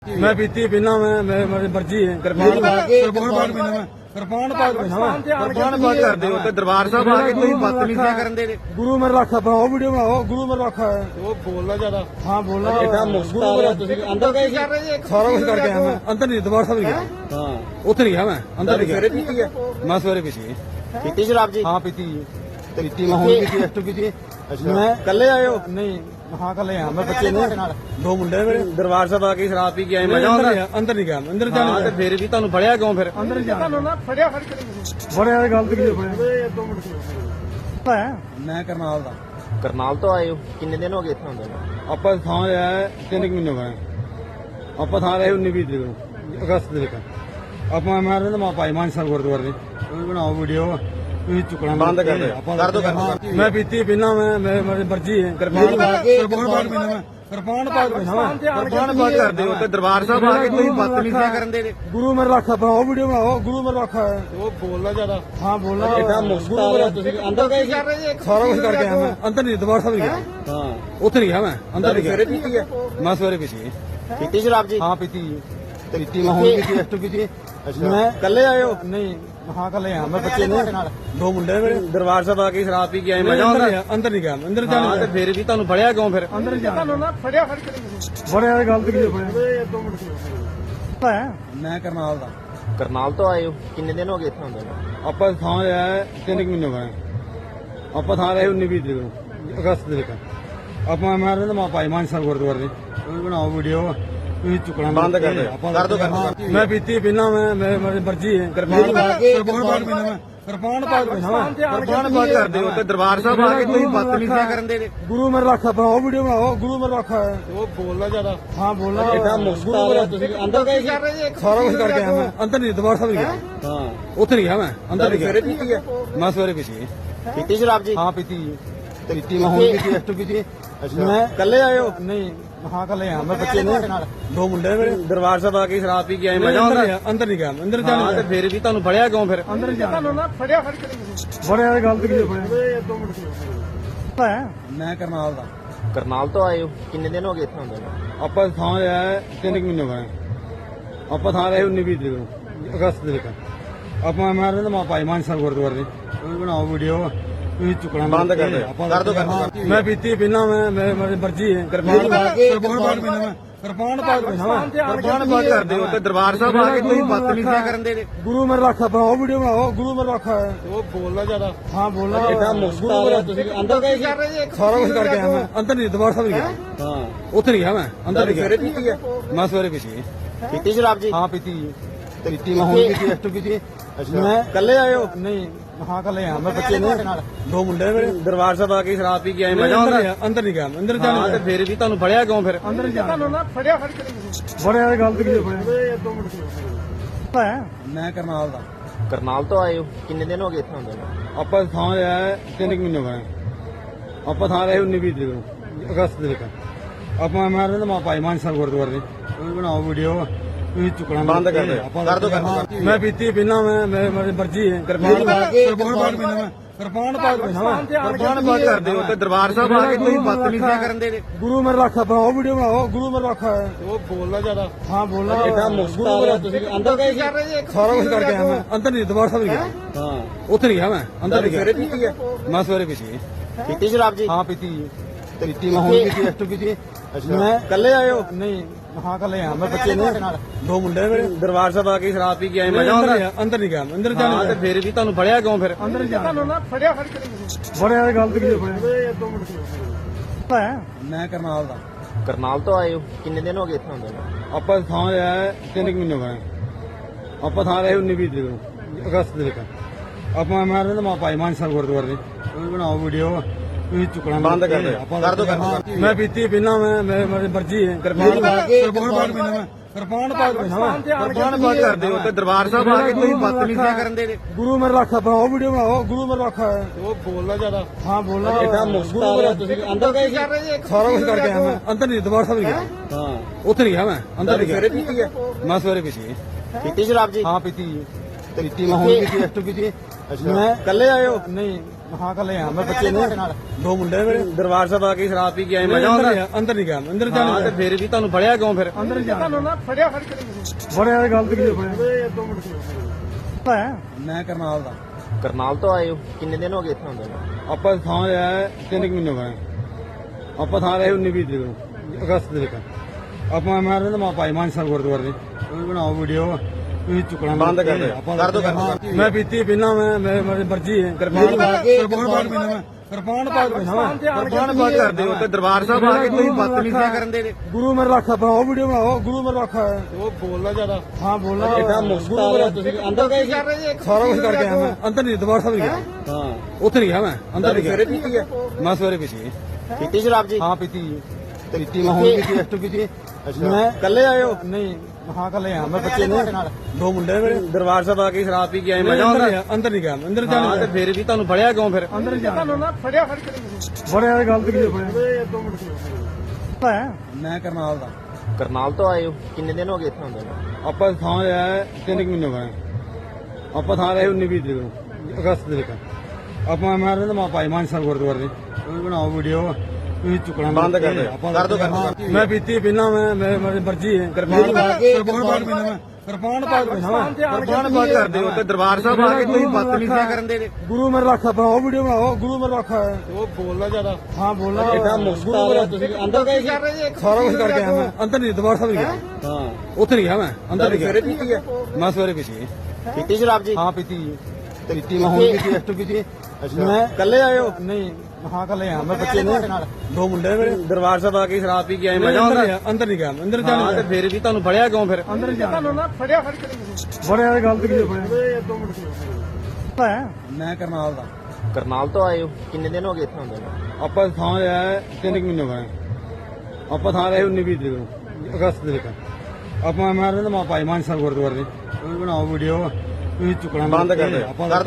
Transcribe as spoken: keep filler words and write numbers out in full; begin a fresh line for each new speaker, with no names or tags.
मैं पीती पीना मैं मैं मेरी मर्जी है।
कृपान पा के
कृपान पाठ पीना मैं कृपान पाठ पीना मैं
कृपान पाठ कर दियो ते दरबार साहब आके तुम बदतमीजियां करन दे
गुरु मेरा रखा बनाओ वीडियो बनाओ गुरु मेरा रखा है
वो बोलना ज्यादा
हाँ बोलना
एडा मुफ्त आ रहा तुसी अंदर गए कर रहे
सारा कुछ करके आया मैं अंदर नहीं दरबार साहब नहीं गया
हां
उधर नहीं गया मैं अंदर नहीं
सवेरे
गया
पीती है
मैं सवेरे पीती है
पीती शराब जी
हाँ पीती
पीती मैं हुन पीती एक्टर पीती अच्छा
मैं
कल्ले आए हो
नहीं हाँ कल यहाँ मैं बच्चे ने दो मुंडे मेरे
दरबार साहब आके शराब पी के आए मजा
अंदर
आਉਂਦਾ
नहीं- अंदर नहीं गया अंदर
ਹਾਂ
जाने
ਤੇ ਫਿਰ ਵੀ ਤੁਹਾਨੂੰ ਫੜਿਆ ਕਿਉਂ ਫਿਰ
अंदर नहीं जाना
ਨਾ ਫੜਿਆ ਫੜ ਕੇ
बड़े यार गलत की बड़े मैं करनाल ਦਾ
ਕਰਨਾਲ ਤੋਂ ਆਏ ਹੋ ਕਿੰਨੇ ਦਿਨ ਹੋ ਗਏ ਇੱਥੇ ਹੁੰਦੇ ਨੂੰ
ਆਪਾਂ ਥਾਂ ਲਿਆ ਹੈ ਤਿੰਨ ਕੁ ਮਹੀਨੇ ਹੋਏ ਆਪਾਂ ਥਾਂ ਲਿਆ ਉੱਨੀ ਵੀਹ ਤਰੀਕ ਨੂੰ ਅਗਸਤ ਦੇ ਵਿੱਚ ਆਪਾਂ ਮੈਂ ਰਹਿੰਦਾ ਮਾ ਭਾਈ ਮਾਨ ਸਾਹਿਬ ਗੁਰਦੁਆਰੇ ਦੇ ਉਹ ਬਣਾਓ ਵੀਡੀਓ ਤੁਸੀਂ ਚੁੱਕਣਾ
ਬੰਦ ਕਰ ਦਿਓ। ਕਰ ਦਿਓ, ਕਰ ਦਿਓ।
ਮੈਂ ਪੀਤੀ ਪੀਣਾ ਮੈਂ ਮੈਂ- ਮੇਰੀ ਮਰਜ਼ੀ ਹੈ
ਕਿਰਪਾਨ ਪਾ ਕੇ
ਕਿਰਪਾਨ ਪਾਠ ਪੀਣਾ ਮੈਂ ਕਿਰਪਾਨ ਪਾਠ ਪੀਣਾ ਮੈਂ
ਕਿਰਪਾਨ ਪਾਠ ਕਰ ਦਿਓ ਤੇ ਦਰਬਾਰ ਸਾਹਿਬ ਆਕੇ ਤੁਸੀਂ ਬਦਤਮੀਜ਼ੀਆਂ ਕਰਨ ਦੇ
ਗੁਰੂ ਮੇਰਾ ਰੱਖਾ ਬਣਾਓ ਵੀਡੀਓ ਬਣਾਓ ਗੁਰੂ ਮੇਰਾ ਰੱਖਾ ਹੈ
ਉਹ ਬੋਲਣਾ ਜ਼ਿਆਦਾ
ਹਾਂ ਬੋਲਣਾ
ਐਡਾ ਮੁਫਤ ਆ ਰਿਹਾ ਤੁਸੀਂ ਅੰਦਰ ਗਏ ਕਰ ਰਹੇ
ਸਾਰਾ ਕੁਝ ਕਰਕੇ ਆਇਆ ਮੈਂ ਅੰਦਰ ਨਹੀਂ ਦਰਬਾਰ ਸਾਹਿਬ ਨਹੀਂ ਗਿਆ
ਹਾਂ
ਉੱਥੇ ਨਹੀਂ ਗਿਆ ਮੈਂ ਅੰਦਰ ਨਹੀਂ
ਸਵੇਰੇ
ਗਿਆ
ਪੀਤੀ ਹੈ
ਮੈਂ ਸਵੇਰੇ ਪੀਤੀ ਹੈ
ਪੀਤੀ ਸ਼ਰਾਬ ਜੀ
ਹਾਂ ਪੀਤੀ ਪੀਤੀ ਮੈਂ ਹੁਣ ਪੀਤੀ ਐਕਟਰ ਪੀਤੀ
ਅੱਛਾ
ਮੈਂ
ਕੱਲੇ ਆਏ ਹੋ
ਨਹੀਂ ਹਾਂ ਕੱਲ यहाँ मैं बच्चे ने ਦੋ ਮੁੰਡੇ ਮੇਰੇ
ਦਰਬਾਰ ਸਾਹਿਬ ਆਕੇ ਸ਼ਰਾਬ ਪੀ ਕੇ ਆਏ ਮਜ਼ਾ
ਅੰਦਰ
ਆਉਂਦਾ
ਨਹੀਂ- ਅੰਦਰ ਨਹੀਂ ਗਿਆ ਅੰਦਰ
ਹਾਂ
ਜਾਣੇ
ਤੇ ਫਿਰ ਵੀ ਤੁਹਾਨੂੰ ਫੜਿਆ ਕਿਉਂ ਫਿਰ
ਅੰਦਰ ਨਹੀਂ ਜਾਣਾ
ਨਾ ਫੜਿਆ ਫੜ ਕੇ
ਬੜੇ ਯਾਰ ਗਲਤ ਕੀ ਬੜੇ ਮੈਂ ਕਰਨਾਲ ਦਾ
ਕਰਨਾਲ ਤੋਂ ਆਏ ਹੋ ਕਿੰਨੇ ਦਿਨ ਹੋ ਗਏ ਇੱਥੇ ਹੁੰਦੇ ਨੂੰ
ਆਪਾਂ ਥਾਂ ਲਿਆ ਹੈ ਤਿੰਨ ਕੁ ਮਹੀਨੇ ਹੋਏ ਆਪਾਂ ਥਾਂ ਲਿਆ ਉੱਨੀ ਵੀਹ ਤਰੀਕ ਨੂੰ ਅਗਸਤ ਦੇ ਵਿੱਚ ਆਪਾਂ ਮੈਂ ਰਹਿੰਦਾ ਮਾ ਭਾਈ ਮਾਨ ਸਾਹਿਬ ਗੁਰਦੁਆਰੇ ਦੇ ਉਹ ਬਣਾਓ ਵੀਡੀਓ ਤੁਸੀਂ ਚੁੱਕਣਾ
ਬੰਦ ਕਰ ਦਿਓ। ਕਰ ਦਿਓ, ਕਰ ਦਿਓ।
ਮੈਂ ਪੀਤੀ ਪੀਣਾ ਮੈਂ ਮੈਂ- ਮੇਰੀ ਮਰਜ਼ੀ ਹੈ
ਕਿਰਪਾਨ ਪਾ ਕੇ
ਕਿਰਪਾਨ ਪਾਠ ਪੀਣਾ ਮੈਂ ਕਿਰਪਾਨ ਪਾਠ ਪੀਣਾ ਮੈਂ
ਕਿਰਪਾਨ ਪਾਠ ਕਰ ਦਿਓ ਤੇ ਦਰਬਾਰ ਸਾਹਿਬ ਆਕੇ ਤੁਸੀਂ ਬਦਤਮੀਜ਼ੀਆਂ ਕਰਨ ਦੇ
ਗੁਰੂ ਮੇਰਾ ਰੱਖਾ ਬਣਾਓ ਵੀਡੀਓ ਬਣਾਓ ਗੁਰੂ ਮੇਰਾ ਰੱਖਾ ਹੈ
ਉਹ ਬੋਲਣਾ ਜ਼ਿਆਦਾ
ਹਾਂ ਬੋਲਣਾ
ਐਡਾ ਮੁਫਤ ਆ ਰਿਹਾ ਤੁਸੀਂ ਅੰਦਰ ਗਏ ਕਰ ਰਹੇ
ਸਾਰਾ ਕੁਝ ਕਰਕੇ ਆਇਆ ਮੈਂ ਅੰਦਰ ਨਹੀਂ ਦਰਬਾਰ ਸਾਹਿਬ ਨਹੀਂ ਗਿਆ
ਹਾਂ
ਉੱਥੇ ਨਹੀਂ ਗਿਆ ਮੈਂ ਅੰਦਰ ਨਹੀਂ
ਸਵੇਰੇ
ਗਿਆ
ਪੀਤੀ ਹੈ
ਮੈਂ ਸਵੇਰੇ ਪੀਤੀ ਹੈ
ਪੀਤੀ ਸ਼ਰਾਬ ਜੀ
ਹਾਂ ਪੀਤੀ ਪੀਤੀ ਮੈਂ ਹੁਣ ਪੀਤੀ ਐਕਟਰ ਪੀਤੀ
ਅੱਛਾ
ਮੈਂ
ਕੱਲੇ ਆਏ ਹੋ
ਨਹੀਂ ਹਾਂ ਕੱਲ यहाँ मैं बच्चे ने ਦੋ ਮੁੰਡੇ ਮੇਰੇ
ਦਰਬਾਰ ਸਾਹਿਬ ਆਕੇ ਸ਼ਰਾਬ ਪੀ ਕੇ ਆਏ ਮਜ਼ਾ
ਅੰਦਰ
ਆਉਂਦਾ
ਨਹੀਂ- ਅੰਦਰ ਨਹੀਂ ਗਿਆ ਅੰਦਰ
ਹਾਂ
ਜਾਣੇ
ਤੇ ਫਿਰ ਵੀ ਤੁਹਾਨੂੰ ਫੜਿਆ ਕਿਉਂ ਫਿਰ
ਅੰਦਰ ਨਹੀਂ ਜਾਣਾ
ਨਾ ਫੜਿਆ ਫੜ ਕੇ
ਬੜੇ ਯਾਰ ਗਲਤ ਕੀ ਬੜੇ ਮੈਂ ਕਰਨਾਲ ਦਾ
ਕਰਨਾਲ ਤੋਂ ਆਏ ਹੋ ਕਿੰਨੇ ਦਿਨ ਹੋ ਗਏ ਇੱਥੇ ਹੁੰਦੇ ਨੂੰ
ਆਪਾਂ ਥਾਂ ਲਿਆ ਹੈ ਤਿੰਨ ਕੁ ਮਹੀਨੇ ਹੋਏ ਆਪਾਂ ਥਾਂ ਲਿਆ ਉੱਨੀ ਵੀਹ ਤਰੀਕ ਨੂੰ ਅਗਸਤ ਦੇ ਵਿੱਚ ਆਪਾਂ ਮੈਂ ਰਹਿੰਦਾ ਮਾ ਭਾਈ ਮਾਨ ਸਾਹਿਬ ਗੁਰਦੁਆਰੇ ਦੇ ਉਹ ਬਣਾਓ ਵੀਡੀਓ ਤੁਸੀਂ ਚੁੱਕਣਾ
ਬੰਦ ਕਰ ਦਿਓ। ਕਰ ਦਿਓ, ਕਰ ਦਿਓ।
ਮੈਂ ਪੀਤੀ ਪੀਣਾ ਮੈਂ ਮੈਂ- ਮੇਰੀ ਮਰਜ਼ੀ ਹੈ
ਕਿਰਪਾਨ ਪਾ ਕੇ
ਕਿਰਪਾਨ ਪਾਠ ਪੀਣਾ ਮੈਂ ਕਿਰਪਾਨ ਪਾਠ ਪੀਣਾ ਮੈਂ
ਕਿਰਪਾਨ ਪਾਠ ਕਰ ਦਿਓ ਤੇ ਦਰਬਾਰ ਸਾਹਿਬ ਆਕੇ ਤੁਸੀਂ ਬਦਤਮੀਜ਼ੀਆਂ ਕਰਨ ਦੇ
ਗੁਰੂ ਮੇਰਾ ਰੱਖਾ ਬਣਾਓ ਵੀਡੀਓ ਬਣਾਓ ਗੁਰੂ ਮੇਰਾ ਰੱਖਾ ਹੈ
ਉਹ ਬੋਲਣਾ ਜ਼ਿਆਦਾ
ਹਾਂ ਬੋਲਣਾ
ਐਡਾ ਮੁਫਤ ਆ ਰਿਹਾ ਤੁਸੀਂ ਅੰਦਰ ਗਏ ਕਰ ਰਹੇ
ਸਾਰਾ ਕੁਝ ਕਰਕੇ ਆਇਆ ਮੈਂ ਅੰਦਰ ਨਹੀਂ ਦਰਬਾਰ ਸਾਹਿਬ ਨਹੀਂ ਗਿਆ
ਹਾਂ
ਉੱਥੇ ਨਹੀਂ ਗਿਆ ਮੈਂ ਅੰਦਰ ਨਹੀਂ
ਸਵੇਰੇ
ਗਿਆ
ਪੀਤੀ ਹੈ
ਮੈਂ ਸਵੇਰੇ ਪੀਤੀ ਹੈ
ਪੀਤੀ ਸ਼ਰਾਬ ਜੀ
ਹਾਂ ਪੀਤੀ ਪੀਤੀ ਮੈਂ ਹੁਣ ਪੀਤੀ ਐਕਟਰ ਪੀਤੀ
ਅੱਛਾ
ਮੈਂ
ਕੱਲੇ ਆਏ ਹੋ
ਨਹੀਂ ਹਾਂ ਕੱਲ यहाँ मैं बच्चे ने ਦੋ ਮੁੰਡੇ ਮੇਰੇ
ਦਰਬਾਰ ਸਾਹਿਬ ਆਕੇ ਸ਼ਰਾਬ ਪੀ ਕੇ ਆਏ ਮਜ਼ਾ ਆਉਂਦਾ
ਅੰਦਰ ਨਹੀਂ ਗਿਆ ਅੰਦਰ
ਹਾਂ
ਜਾਣੇ
ਤੇ ਫਿਰ ਵੀ ਤੁਹਾਨੂੰ ਫੜਿਆ ਕਿਉਂ ਫਿਰ
ਅੰਦਰ ਨਹੀਂ ਜਾਣਾ
ਨਾ ਫੜਿਆ ਫੜ ਕੇ
ਬੜੇ ਯਾਰ ਗਲਤ ਕੀ ਬੜੇ ਮੈਂ ਕਰਨਾਲ ਦਾ
ਕਰਨਾਲ ਤੋਂ ਆਏ ਹੋ ਕਿੰਨੇ ਦਿਨ ਹੋ ਗਏ ਇੱਥੇ ਹੁੰਦੇ ਨੂੰ
ਆਪਾਂ ਥਾਂ ਲਿਆ ਹੈ ਤਿੰਨ ਕੁ ਮਹੀਨੇ ਹੋਏ ਆਪਾਂ ਥਾਂ ਲਿਆ ਉੱਨੀ ਵੀਹ ਤਰੀਕ ਨੂੰ ਅਗਸਤ ਦੇ ਵਿੱਚ ਆਪਾਂ ਮੈਂ ਰਹਿੰਦਾ ਮਾ ਭਾਈ ਮਾਨ ਸਾਹਿਬ ਗੁਰਦੁਆਰੇ ਦੇ ਉਹ ਬਣਾਓ ਵੀਡੀਓ ਤੁਸੀਂ ਚੁੱਕਣਾ
ਬੰਦ ਕਰ ਦਿਓ। ਕਰ ਦਿਓ, ਕਰ ਦਿਓ।
ਮੈਂ ਪੀਤੀ ਪੀਣਾ ਮੈਂ ਮੈਂ- ਮੇਰੀ ਮਰਜ਼ੀ ਹੈ
ਕਿਰਪਾਨ ਪਾ ਕੇ
ਕਿਰਪਾਨ ਪਾਠ ਪੀਣਾ ਮੈਂ ਕਿਰਪਾਨ ਪਾਠ ਪੀਣਾ ਮੈਂ
ਕਿਰਪਾਨ ਪਾਠ ਕਰ ਦਿਓ ਤੇ ਦਰਬਾਰ ਸਾਹਿਬ ਆਕੇ ਤੁਸੀਂ ਬਦਤਮੀਜ਼ੀਆਂ ਕਰਨ ਦੇ
ਗੁਰੂ ਮੇਰਾ ਰੱਖਾ ਬਣਾਓ ਵੀਡੀਓ ਬਣਾਓ ਗੁਰੂ ਮੇਰਾ ਰੱਖਾ ਹੈ
ਉਹ ਬੋਲਣਾ ਜ਼ਿਆਦਾ
ਹਾਂ ਬੋਲਣਾ
ਐਡਾ ਮੁਫਤ ਆ ਰਿਹਾ ਤੁਸੀਂ ਅੰਦਰ ਗਏ ਕਰ ਰਹੇ
ਸਾਰਾ ਕੁਝ ਕਰਕੇ ਆਇਆ ਮੈਂ ਅੰਦਰ ਨਹੀਂ ਦਰਬਾਰ ਸਾਹਿਬ ਨਹੀਂ ਗਿਆ
ਹਾਂ
ਉੱਥੇ ਨਹੀਂ ਗਿਆ ਮੈਂ ਅੰਦਰ ਨਹੀਂ
ਸਵੇਰੇ
ਗਿਆ
ਪੀਤੀ ਹੈ
ਮੈਂ ਸਵੇਰੇ ਪੀਤੀ ਹੈ
ਪੀਤੀ ਸ਼ਰਾਬ ਜੀ
ਹਾਂ ਪੀਤੀ ਪੀਤੀ ਮੈਂ ਹੁਣ ਪੀਤੀ ਐਕਟਰ ਪੀਤੀ
ਅੱਛਾ
ਮੈਂ
ਕੱਲੇ ਆਏ ਹੋ
ਨਹੀਂ ਹਾਂ ਕੱਲ यहाँ मैं बच्चे ने ਦੋ ਮੁੰਡੇ ਮੇਰੇ
ਦਰਬਾਰ ਸਾਹਿਬ ਆਕੇ ਸ਼ਰਾਬ ਪੀ ਕੇ ਆਏ ਮਜ਼ਾ ਆਉਂਦਾ
ਅੰਦਰ ਨਹੀਂ ਗਿਆ ਅੰਦਰ
ਹਾਂ ਤੇ
ਜਾਣੇ
ਫਿਰ ਵੀ ਤੁਹਾਨੂੰ ਫੜਿਆ ਕਿਉਂ ਫਿਰ
ਅੰਦਰ ਨਹੀਂ ਜਾਣਾ
ਨਾ ਫੜਿਆ ਫੜ ਕੇ
ਬੜੇ ਯਾਰ ਗਲਤ ਕੀ ਬੜੇ ਮੈਂ ਕਰਨਾਲ ਦਾ
ਕਰਨਾਲ ਤੋਂ ਆਏ ਹੋ ਕਿੰਨੇ ਦਿਨ ਹੋ ਗਏ ਇੱਥੇ ਹੁੰਦੇ ਨੂੰ
ਆਪਾਂ ਥਾਂ ਲਿਆ ਹੈ ਤਿੰਨ ਕੁ ਮਹੀਨੇ ਹੋਏ ਆਪਾਂ ਥਾਂ ਲਿਆ ਉੱਨੀ ਵੀਹ ਤਰੀਕ ਨੂੰ ਅਗਸਤ ਦੇ ਵਿੱਚ ਆਪਾਂ ਮੈਂ ਰਹਿੰਦਾ ਮਾ ਭਾਈ ਮਾਨ ਸਾਹਿਬ ਗੁਰਦੁਆਰੇ ਦੇ ਉਹ ਬਣਾਓ ਵੀਡੀਓ ਤੁਸੀਂ ਚੁੱਕਣਾ
ਬੰਦ ਕਰ ਦਿਓ। ਕਰ ਦਿਓ, ਕਰ ਦਿਓ।
ਮੈਂ ਪੀਤੀ ਪੀਣਾ ਮੈਂ ਮੈਂ- ਮੇਰੀ ਮਰਜ਼ੀ ਹੈ
ਕਿਰਪਾਨ ਪਾ ਕੇ
ਕਿਰਪਾਨ ਪਾਠ ਪੀਣਾ ਮੈਂ ਕਿਰਪਾਨ ਪਾਠ ਪੀਣਾ ਮੈਂ
ਕਿਰਪਾਨ ਪਾਠ ਕਰ ਦਿਓ ਤੇ ਦਰਬਾਰ ਸਾਹਿਬ ਆਕੇ ਤੁਸੀਂ ਬਦਤਮੀਜ਼ੀਆਂ ਕਰਨ ਦੇ
ਗੁਰੂ ਮੇਰਾ ਰੱਖਾ ਬਣਾਓ ਵੀਡੀਓ ਬਣਾਓ ਗੁਰੂ ਮੇਰਾ ਰੱਖਾ ਹੈ
ਉਹ ਬੋਲਣਾ ਜ਼ਿਆਦਾ
ਹਾਂ ਬੋਲਣਾ
ਐਡਾ ਮੁਫਤ ਆ ਰਿਹਾ ਤੁਸੀਂ ਅੰਦਰ ਗਏ ਕਰ ਰਹੇ
ਸਾਰਾ ਕੁਝ ਕਰਕੇ ਆਇਆ ਮੈਂ ਅੰਦਰ ਨਹੀਂ ਦਰਬਾਰ ਸਾਹਿਬ ਨਹੀਂ ਗਿਆ
ਹਾਂ
ਉੱਥੇ ਨਹੀਂ ਗਿਆ ਮੈਂ ਅੰਦਰ ਨਹੀਂ
ਸਵੇਰੇ
ਗਿਆ
ਪੀਤੀ ਹੈ
ਮੈਂ ਸਵੇਰੇ ਪੀਤੀ ਹੈ
ਪੀਤੀ ਸ਼ਰਾਬ ਜੀ
ਹਾਂ ਪੀਤੀ ਪੀਤੀ ਮੈਂ ਹੁਣ ਪੀਤੀ ਐਕਟਰ ਪੀਤੀ
ਅੱਛਾ
ਮੈਂ
ਕੱਲੇ ਆਏ ਹੋ
ਨਹੀਂ ਹਾਂ ਕੱਲੇ ਆ ਮੈਂ ਬੱਚੇ ਨੇ ਦੋ ਮੁੰਡੇ ਮੇਰੇ
ਦਰਬਾਰ ਸਾਹਿਬ ਆ ਕੇ ਸ਼ਰਾਬ ਪੀ ਕੇ ਆਏ ਮਜ਼ਾ
ਅੰਦਰ
ਆਉਂਦਾ
ਨਹੀਂ- ਅੰਦਰ ਨਹੀਂ ਗਿਆ ਅੰਦਰ
ਹਾਂ
ਜਾਣਾ
ਤੇ ਫਿਰ ਵੀ ਤੁਹਾਨੂੰ ਫੜਿਆ ਕਿਉਂ ਫਿਰ
ਅੰਦਰ ਹੀ ਜਾਣਾ
ਤੁਹਾਨੂੰ ਨਾ ਫੜਿਆ ਫੜ ਕੇ
ਬੜੇ ਵਾਲੀ ਗੱਲ ਤੇ ਕਿਉਂ ਫੜਿਆ
ਦੋ ਮਿੰਟ
ਮੈਂ ਕਰਨਾਲ ਦਾ
ਕਰਨਾਲ ਤੋਂ ਆਏ ਹੋ ਕਿੰਨੇ ਦਿਨ ਹੋ ਗਏ ਇੱਥੇ ਹੁੰਦੇ ਨੂੰ
ਆਪਾਂ ਥਾਂ ਲਿਆ ਤਿੰਨ ਕੁ ਮਹੀਨੇ ਹੋ ਗਏ ਆਪਾਂ ਥਾਂ ਲਿਆ ਉੱਨੀ ਵੀਹ ਤਰੀਕ ਨੂੰ ਅਗਸਤ ਦੇ ਵਿੱਚ ਆਪਾਂ ਮੈਂ ਰਹਿੰਦਾ ਮਾ ਭਾਈ ਮਾਨ ਸਾਹਿਬ ਗੁਰਦੁਆਰੇ ਦੇ ਉਹ ਬਣਾਓ ਵੀਡੀਓ ਤੁਸੀਂ ਚੁੱਕਣਾ
ਬੰਦ ਕਰ ਦਿਓ। ਕਰ ਦਿਓ, ਕਰ ਦਿਓ।
ਹਾਂ, ਮੈਂ ਪੀਤੀ ਪੀਣਾ ਮੈਂ ਮੇਰੇ ਮੇਰੀ ਮਰਜ਼ੀ ਹੈ
ਕਿਰਪਾਨ ਪਾ ਕੇ-
ਕਿਰਪਾਨ ਪਾ ਕੇ ਪੀਣਾ ਮੈਂ ਕਿਰਪਾਨ ਪਾ ਕੇ ਪੀਣਾ ਮੈਂ
ਕਿਰਪਾਨ ਪਾ ਕਰਦੇ ਹੋ ਤੇ ਦਰਬਾਰ ਸਾਹਿਬ ਆ ਕੇ ਤੁਸੀਂ ਬਦਤਮੀਜ਼ੀਆਂ ਕਰਨ ਦੇ ਨੇ
ਗੁਰੂ ਮੇਰਾ ਰੱਖਾ ਬਣਾਓ ਵੀਡੀਓ ਬਣਾਓ ਗੁਰੂ ਮੇਰਾ ਰੱਖਾ ਹੈ
ਉਹ ਬੋਲਦਾ ਜ਼ਿਆਦਾ
ਹਾਂ ਬੋਲਣਾ
ਐਡਾ ਮੁਸ਼ਕਲ ਆ ਰਿਹਾ ਤੁਸੀਂ ਅੰਦਰ ਗਏ ਸੀ
ਸਾਰਾ ਕੁਝ ਕਰਕੇ ਆਇਆ ਮੈਂ ਅੰਦਰ ਨਹੀਂ ਦਰਬਾਰ ਸਾਹਿਬ ਨਹੀਂ ਗਿਆ
ਹਾਂ
ਉੱਥੇ ਨਹੀਂ ਗਿਆ ਮੈਂ ਅੰਦਰ ਨਹੀਂ
ਸਵੇਰੇ
ਗਿਆ
ਪੀਤੀ ਹੈ
ਮੈਂ ਸਵੇਰੇ ਪੀਤੀ ਹੈ।
ਪੀਤੀ ਸ਼ਰਾਬ ਜੀ
ਹਾਂ ਪੀਤੀ ਪੀਤੀ ਮੈਂ ਹੁਣ ਪੀਤੀ ਐਸਟੂ ਪੀਤੀ ਮੈਂ
ਇਕੱਲੇ ਆਏ ਹੋ
ਨਹੀਂ ਹਾਂ ਕੱਲੇ ਆ ਮੈਂ ਬੱਚੇ ਨੇ ਦੋ ਮੁੰਡੇ ਮੇਰੇ
ਦਰਬਾਰ ਸਾਹਿਬ ਆ ਕੇ ਸ਼ਰਾਬ ਪੀ ਕੇ ਆਏ ਮਜ਼ਾ
ਅੰਦਰ
ਆਉਂਦਾ
ਨਹੀਂ- ਅੰਦਰ ਨਹੀਂ ਗਿਆ ਅੰਦਰ
ਹਾਂ
ਜਾਣਾ
ਤੇ ਫਿਰ ਵੀ ਤੁਹਾਨੂੰ ਫੜਿਆ ਕਿਉਂ ਫਿਰ
ਅੰਦਰ ਹੀ ਜਾਣਾ
ਤੁਹਾਨੂੰ ਨਾ ਫੜਿਆ ਫੜ ਕੇ
ਬੜੇ ਵਾਲੀ ਗੱਲ ਤੇ ਕਿਉਂ ਫੜਿਆ
ਦੋ ਮਿੰਟ
ਮੈਂ ਕਰਨਾਲ ਦਾ
ਕਰਨਾਲ ਤੋਂ ਆਏ ਹੋ ਕਿੰਨੇ ਦਿਨ ਹੋ ਗਏ ਇੱਥੇ ਹੁੰਦੇ ਨੂੰ
ਆਪਾਂ ਥਾਂ ਲਿਆ ਤਿੰਨ ਕੁ ਮਹੀਨੇ ਹੋ ਗਏ ਆਪਾਂ ਥਾਂ ਲਿਆ ਉੱਨੀ ਵੀਹ ਤਰੀਕ ਨੂੰ ਅਗਸਤ ਦੇ ਵਿੱਚ ਆਪਾਂ ਮੈਂ ਰਹਿੰਦਾ ਮਾ ਭਾਈ ਮਾਨ ਸਾਹਿਬ ਗੁਰਦੁਆਰੇ ਦੇ ਉਹ ਬਣਾਓ ਵੀਡੀਓ ਤੁਸੀਂ ਚੁੱਕਣਾ
ਬੰਦ ਕਰ ਦਿਓ। ਕਰ ਦਿਓ, ਕਰ ਦਿਓ।
ਮੈਂ ਪੀਤੀ ਪੀਣਾ ਮੈਂ ਮੇਰੇ ਮੇਰੀ ਮਰਜ਼ੀ ਹੈ
ਕਿਰਪਾਨ ਪਾ ਕੇ-
ਕਿਰਪਾਨ ਪਾ ਕੇ ਪੀਣਾ ਮੈਂ ਕਿਰਪਾਨ ਪਾ ਕੇ ਪੀਣਾ ਮੈਂ
ਕਿਰਪਾਨ ਪਾ ਕਰਦੇ ਹੋ ਤੇ ਦਰਬਾਰ ਸਾਹਿਬ ਆ ਕੇ ਤੁਸੀਂ ਬਦਤਮੀਜ਼ੀਆਂ ਕਰਨ ਦੇ ਨੇ
ਗੁਰੂ ਮੇਰਾ ਰੱਖਾ ਬਣਾਓ ਵੀਡੀਓ ਬਣਾਓ ਗੁਰੂ ਮੇਰਾ ਰੱਖਾ ਹੈ
ਉਹ ਬੋਲਦਾ ਜ਼ਿਆਦਾ
ਹਾਂ ਬੋਲਣਾ
ਐਡਾ ਮੁਸ਼ਕਲ ਆ ਰਿਹਾ ਤੁਸੀਂ ਅੰਦਰ ਗਏ ਸੀ
ਸਾਰਾ ਕੁਝ ਕਰਕੇ ਆਇਆ ਮੈਂ ਅੰਦਰ ਨਹੀਂ ਦਰਬਾਰ ਸਾਹਿਬ ਨਹੀਂ ਗਿਆ
ਹਾਂ
ਉੱਥੇ ਨਹੀਂ ਗਿਆ ਮੈਂ ਅੰਦਰ ਨਹੀਂ
ਸਵੇਰੇ
ਗਿਆ
ਪੀਤੀ ਹੈ
ਮੈਂ ਸਵੇਰੇ ਪੀਤੀ ਹੈ।
ਪੀਤੀ ਸ਼ਰਾਬ ਜੀ
ਹਾਂ ਪੀਤੀ ਪੀਤੀ ਮੈਂ ਹੁਣ ਪੀਤੀ ਐਸਟੂ ਪੀਤੀ ਮੈਂ
ਇਕੱਲੇ ਆਏ ਹੋ
ਨਹੀਂ ਹਾਂ ਕੱਲੇ ਆ ਮੈਂ ਬੱਚੇ ਨੇ ਦੋ ਮੁੰਡੇ ਮੇਰੇ
ਦਰਬਾਰ ਸਾਹਿਬ ਆ ਕੇ ਸ਼ਰਾਬ ਪੀ ਕੇ ਆਏ ਮਜ਼ਾ
ਅੰਦਰ
ਆਉਂਦਾ
ਨਹੀਂ- ਅੰਦਰ ਨਹੀਂ ਗਿਆ ਅੰਦਰ
ਹਾਂ
ਜਾਣਾ
ਤੇ ਫਿਰ ਵੀ ਤੁਹਾਨੂੰ ਫੜਿਆ ਕਿਉਂ ਫਿਰ
ਅੰਦਰ ਹੀ ਜਾਣਾ
ਤੁਹਾਨੂੰ ਨਾ ਫੜਿਆ ਫੜ ਕੇ
ਬੜੇ ਵਾਲੀ ਗੱਲ ਤੇ ਕਿਉਂ ਫੜਿਆ
ਦੋ ਮਿੰਟ
ਮੈਂ ਕਰਨਾਲ ਦਾ
ਕਰਨਾਲ ਤੋਂ ਆਏ ਹੋ ਕਿੰਨੇ ਦਿਨ ਹੋ ਗਏ ਇੱਥੇ ਹੁੰਦੇ ਨੂੰ
ਆਪਾਂ ਥਾਂ ਲਿਆ ਤਿੰਨ ਕੁ ਮਹੀਨੇ ਹੋ ਗਏ ਆਪਾਂ ਥਾਂ ਲਿਆ ਉੱਨੀ ਵੀਹ ਤਰੀਕ ਨੂੰ ਅਗਸਤ ਦੇ ਵਿੱਚ ਆਪਾਂ ਮੈਂ ਰਹਿੰਦਾ ਮਾ ਭਾਈ ਮਾਨ ਸਾਹਿਬ ਗੁਰਦੁਆਰੇ ਦੇ ਉਹ ਬਣਾਓ ਵੀਡੀਓ ਤੁਸੀਂ ਚੁੱਕਣਾ
ਬੰਦ ਕਰ ਦਿਓ।